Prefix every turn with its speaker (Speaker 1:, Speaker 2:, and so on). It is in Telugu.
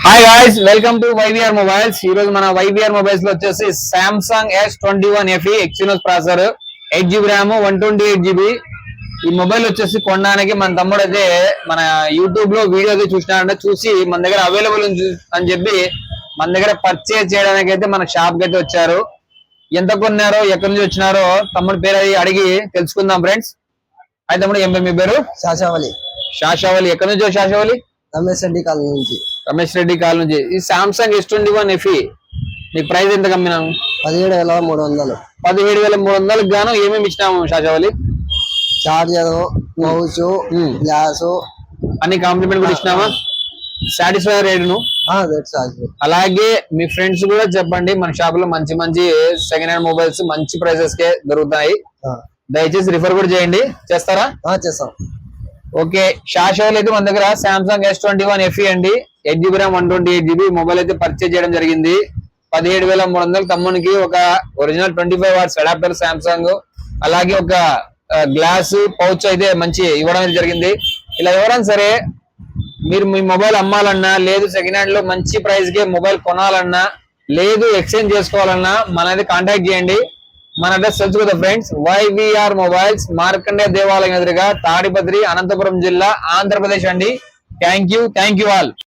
Speaker 1: Hi guys, welcome to YVR mobiles. ఈ రోజు మన వైవిఆర్ మొబైల్స్ లో వచ్చేసి Samsung S21 FE Exynos processor 8GB RAM 128GB. ఈ మొబైల్ వచ్చేసి కొనడానికి మన తమ్ముడు అయితే మన యూట్యూబ్ లో వీడియో అయితే చూసినాడంటే, చూసి మన దగ్గర అవైలబుల్ అని చెప్పి మన దగ్గర పర్చేజ్ చేయడానికి అయితే మన షాప్ కి అయితే వచ్చారు. ఎంత కొన్నారో, ఎక్కడి నుంచి వచ్చినారో తమ్ముడు పేరు అడిగి తెలుసుకుందాం ఫ్రెండ్స్. అయితే తమ్ముడు ఏం పేరు? మీ పేరు?
Speaker 2: శాశావళి.
Speaker 1: శాశావళి. ఎక్కడి నుంచి శాశావళి?
Speaker 2: రమేష్ రెడ్డి కాలనీ నుంచి.
Speaker 1: రమేష్ రెడ్డి కాల్ నుంచి. ఈ సామ్సంగ్ S21 FE నీకు ప్రైస్ ఎంత కమ్మినాము?
Speaker 2: 17,300.
Speaker 1: 17,300 గాను ఏమేమి ఇచ్చినాము శాశావళి?
Speaker 2: చార్జర్, మౌస్, గ్లాస్
Speaker 1: అన్ని కాంప్లిమెంట్ కూడా ఇచ్చినామా? సాటిస్ఫై రేటును. అలాగే మీ ఫ్రెండ్స్ కూడా చెప్పండి, మన షాప్ లో మంచి మంచి సెకండ్ హ్యాండ్ మొబైల్స్ మంచి ప్రైసెస్ కే దొరుకుతాయి. దయచేసి రిఫర్ కూడా చేయండి. చేస్తారా?
Speaker 2: చేస్తాం.
Speaker 1: ఓకే, శాశ్వత్ అయితే మన దగ్గర సామ్సంగ్ S21 FE అండి, 8GB ర్యామ్ 128GB మొబైల్ అయితే పర్చేజ్ చేయడం జరిగింది. 17,300 తమ్మునికి ఒక ఒరిజినల్ 25 వాట్స్ అడాప్టర్ సామ్సంగ్, అలాగే ఒక గ్లాస్ పౌచ్ అయితే మంచి ఇవ్వడం జరిగింది. ఇలా ఎవరైనా సరే మీరు మీ మొబైల్ అమ్మాలన్నా, లేదు సెకండ్ హ్యాండ్ లో మంచి ప్రైస్ కి మొబైల్ కొనాలన్నా, లేదు ఎక్స్చేంజ్ చేసుకోవాలన్నా మనది కాంటాక్ట్ చేయండి. మన అడ్రస్ తెలుసు కదా ఫ్రెండ్స్, వైవిఆర్ మొబైల్స్, మార్కండే దేవాలయం ఎదురుగా, తాడిపత్రి, అనంతపురం జిల్లా, ఆంధ్రప్రదేశ్ అండి. Thank you all.